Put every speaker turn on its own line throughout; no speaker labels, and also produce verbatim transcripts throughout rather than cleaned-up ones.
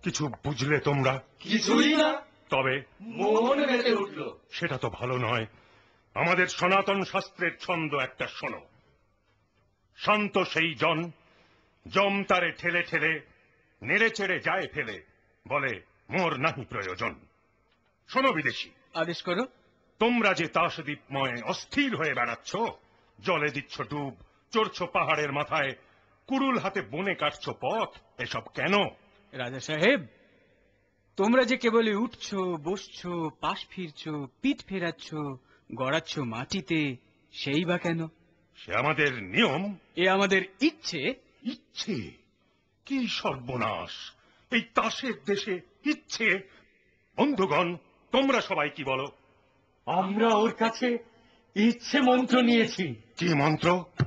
কিছু বুঝলে তোমরা?
কিছুই না।
তবে
মন মেতে উঠল।
সেটা তো ভালো নয়। আমাদের সনাতন শাস্ত্রের ছন্দ একটা শোনো। শান্ত সেই জন, জম তারে ঠেলে ঠেলে নেড়ে চেড়ে যায় ফেলে, বলে মোর নাহি প্রয়োজন। শোনো বিদেশি,
আদেশ করো।
তোমরা যে তাসদ্বীপময় অস্থির হয়ে বেড়াচ্ছ, জলে দিচ্ছ ডুব, চড়ছ পাহাড়ের মাথায়, কুড়ুল হাতে বনে কাটছ পথ, এসব কেন?
রাজা সাহেব, তোমরা যে কেবলই উঠছো, বসছো, পাশ ফিরছো, পিঠ ফেরাচ্ছ, গড়াচ্ছ মাটিতে, সেই বা কেন?
সে আমাদের নিয়ম।
এ আমাদের ইচ্ছে।
ইচ্ছে? কি সর্বনাশ! এই তাসের দেশে ইচ্ছে! বন্ধুগণ, তোমরা সবাই কি বলো?
আমরা ওর কাছে ইচ্ছে মন্ত্র নিয়েছি।
কি মন্ত্র?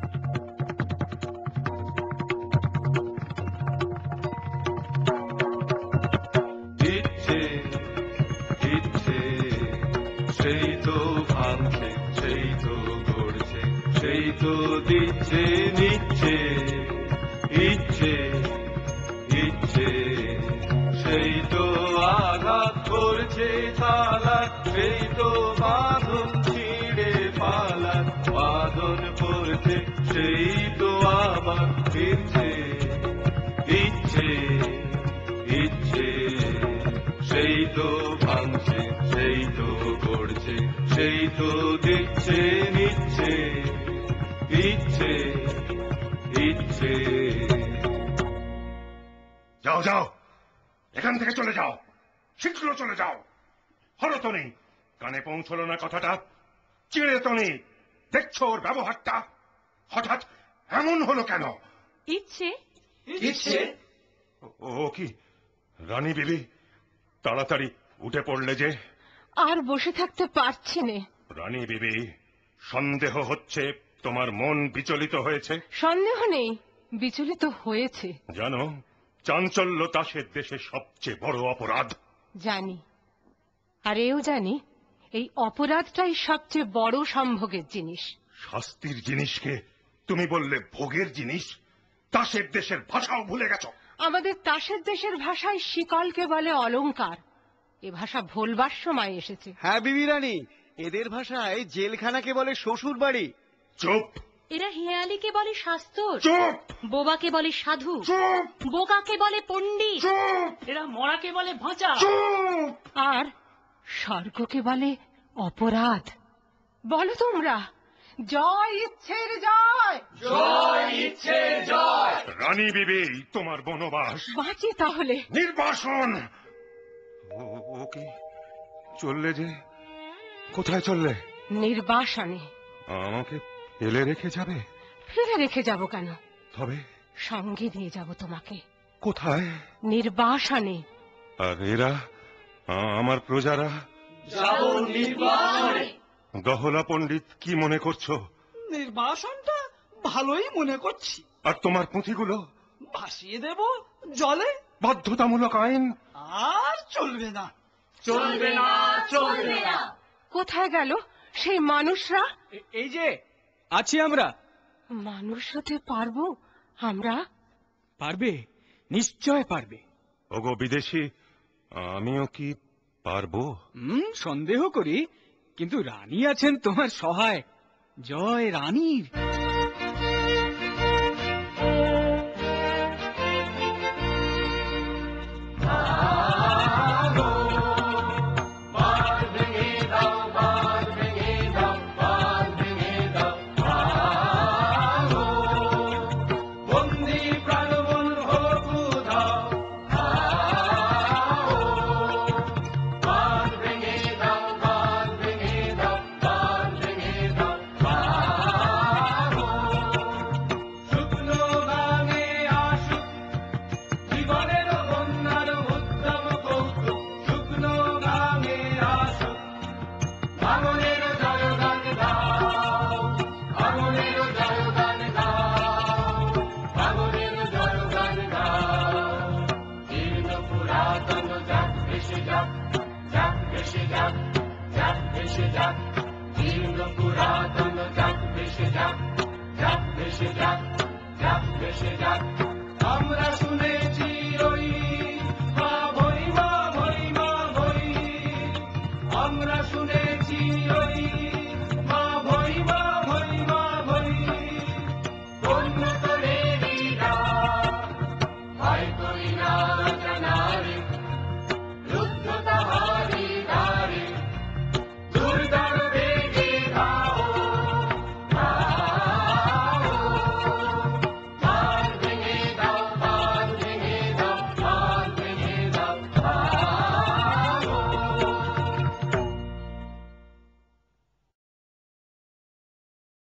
ইচ্ছে ইচ্ছে সেই তো ভাঙছে, সেই তো গড়ছে, সেই তো দিচ্ছে নিচ্ছে। ইচ্ছে ইচ্ছে সেই তো আঘাত করছে তালা, সেই তো বাঁধন ছিঁড়ে পালা, বাঁধন পড়ছে, সেই তো আবার ফিরছে। ইচ্ছে ইচ্ছে সেই তো ভাঙছে, সেই তো গড়ছে, সেই তো দিচ্ছে নিচ্ছে। ইচ্ছে ইচ্ছে
যাও যাও, এখান থেকে চলে যাও, শীঘ্র চলে যাও। হরতনি, কানে পৌঁছলো না কথাটা? চিড়েতনি, দেখছো ওর ব্যবহারটা? হঠাৎ এমন হলো কেন?
ইচ্ছে
ইচ্ছে
ও কি রানী বিবি, তাড়াতাড়ি উঠে পড়লে যে?
আর বসে থাকতে পারছি নে।
রানী বিবি, সন্দেহ হচ্ছে তোমার মন বিচলিত হয়েছে।
সন্দেহ নেই, বিচলিত হয়েছে।
জানো, চাঞ্চল্য তাসের দেশে সবচেয়ে বড় অপরাধ।
জানি, আর এও জানি এই অপরাধটাই সবচেয়ে বড় সম্ভোগের জিনিস।
শাস্তির জিনিসকে তুমি বললে ভোগের জিনিস? তাসের দেশের ভাষাও ভুলে গেছো?
আমাদের তাসের দেশের ভাষায় শিকলকে বলে অলংকার। এ ভাষা ভোলবার সময় এসেছে।
হ্যাঁ বিবি রানী, এদের ভাষায় জেলখানাকে বলে শ্বশুর বাড়ি।
চুপ
এরা হেয়ালিকে বলে শাস্তর,
চুপ
বোবাকে বলে সাধু,
চুপ
বোকাকে বলে পণ্ডিত,
চুপ
এরা মরাকে বলে ভাঁচা,
চুপ!
আর স্বর্গকে বলে অপরাধ। বলো তোমরা, জয় ইচ্ছের জয়।
জয় ইচ্ছে জয়।
রানী বিবি, তোমার বনবাস
বাঁচি তাহলে।
নির্বাসন। ও ও কি চললে যে? কোথায় চললে?
নির্বাসনে।
আমাকে ফেলে রেখে যাবে?
ফেলে রেখে যাব কেন?
তবে
সঙ্গে নিয়ে যাব তোমাকে।
কোথায়?
নির্বাসনে।
আর এরা, আমার প্রজারা?
যাব নির্বাসনে।
গহলা পণ্ডিত, কি মনে করছো?
নির্বাসনটা ভালোই মনে করছি।
আর তোমার পুঁথিগুলো?
ভাসিয়ে দেব জলে।
বাধ্যতামূলক আইন।
আর চলবে না,
চলবে না, চলবে না।
কোথায় গেল সেই মানুষরা?
এই যে আছি আমরা।
মানুষ হতে পারবো আমরা?
পারবে, নিশ্চয় পারবে।
ওগো বিদেশি, আমিও কি পারবো?
হুম, সন্দেহ করি, কিন্তু রানী আছেন তোমার সহায়। জয় রানীর।
শুকনো গানে আসুক জীবনে